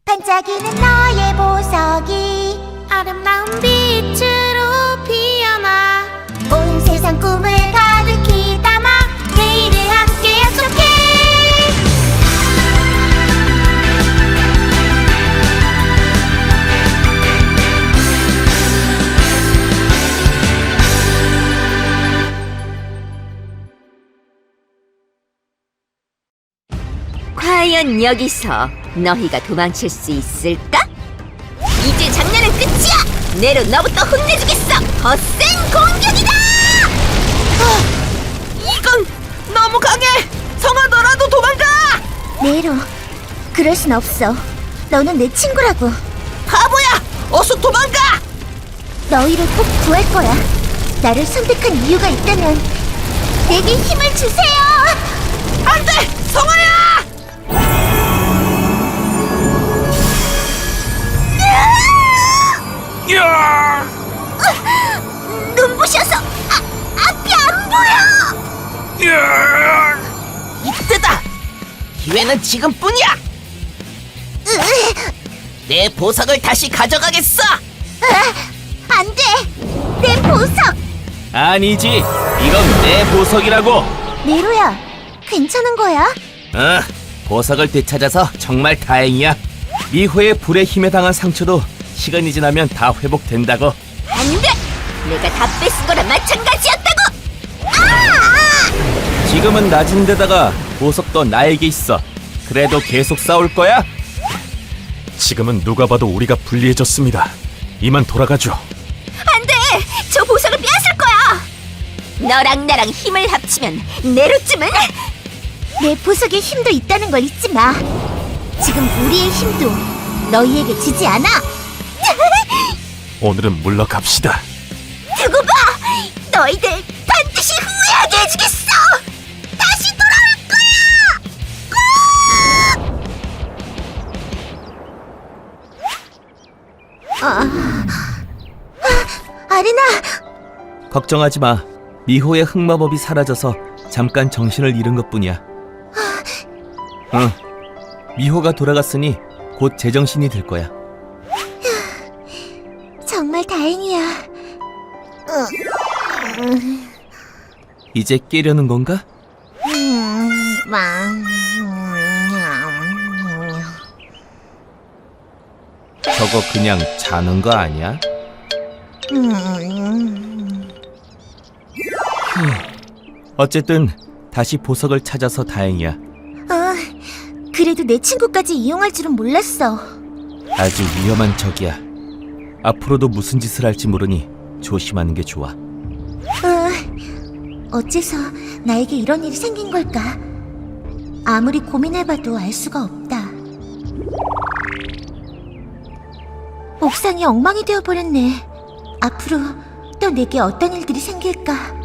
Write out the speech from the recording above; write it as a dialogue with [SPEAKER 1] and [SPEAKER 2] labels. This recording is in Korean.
[SPEAKER 1] 반짝이는 너의 보석이 아름다운 빛으로 피어나 온 세상 꿈을 가득히 담아 내일을 함께 약속해.
[SPEAKER 2] 과연 여기서 너희가 도망칠 수 있을까? 이제 장난은 끝이야! 네로 너부터 혼내주겠어! 더 센 공격이다!
[SPEAKER 3] 이건 너무 강해! 성아, 너라도 도망가!
[SPEAKER 1] 네로, 그럴 순 없어. 너는 내 친구라고.
[SPEAKER 3] 바보야! 어서 도망가!
[SPEAKER 1] 너희를 꼭 구할 거야. 나를 선택한 이유가 있다면 내게 힘을 주세요.
[SPEAKER 3] 안 돼! 성아야!
[SPEAKER 1] 눈부셔서 앞이 안 보여.
[SPEAKER 3] 이때다! 기회는 지금뿐이야! 내 보석을 다시 가져가겠어!
[SPEAKER 1] 안 돼. 내 보석.
[SPEAKER 4] 아니지, 이건 내 보석이라고.
[SPEAKER 1] 네로야, 괜찮은 거야?
[SPEAKER 4] 보석을 되찾아서 정말 다행이야. 미호의 불의 힘에 당한 상처도 시간이 지나면 다 회복된다고.
[SPEAKER 2] 안 돼! 내가 다 뺏은 거랑 마찬가지였다고!
[SPEAKER 4] 지금은 낮은 데다가 보석도 나에게 있어. 그래도 계속 싸울 거야? 지금은 누가 봐도 우리가 불리해졌습니다. 이만 돌아가죠.
[SPEAKER 2] 안 돼! 저 보석을 빼앗을 거야! 너랑 나랑 힘을 합치면 네로쯤은
[SPEAKER 1] 내 보석에 힘도 있다는 걸 잊지 마. 지금 우리의 힘도 너희에게 지지 않아.
[SPEAKER 4] 오늘은 물러갑시다.
[SPEAKER 1] 두고 봐. 너희들 반드시 후회하게 해주겠어. 다시 돌아올 거야. 아리나.
[SPEAKER 4] 걱정하지 마. 미호의 흑마법이 사라져서 잠깐 정신을 잃은 것뿐이야. 응. 미호가 돌아갔으니 곧 제정신이 될 거야.
[SPEAKER 1] 정말 다행이야.
[SPEAKER 4] 이제 깨려는 건가? 저거 그냥 자는 거 아니야? 어쨌든 다시 보석을 찾아서 다행이야.
[SPEAKER 1] 그래도 내 친구까지 이용할 줄은 몰랐어.
[SPEAKER 4] 아주 위험한 적이야. 앞으로도 무슨 짓을 할지 모르니 조심하는 게 좋아.
[SPEAKER 1] 어째서 나에게 이런 일이 생긴 걸까? 아무리 고민해봐도 알 수가 없다. 옥상이 엉망이 되어버렸네. 앞으로 또 내게 어떤 일들이 생길까?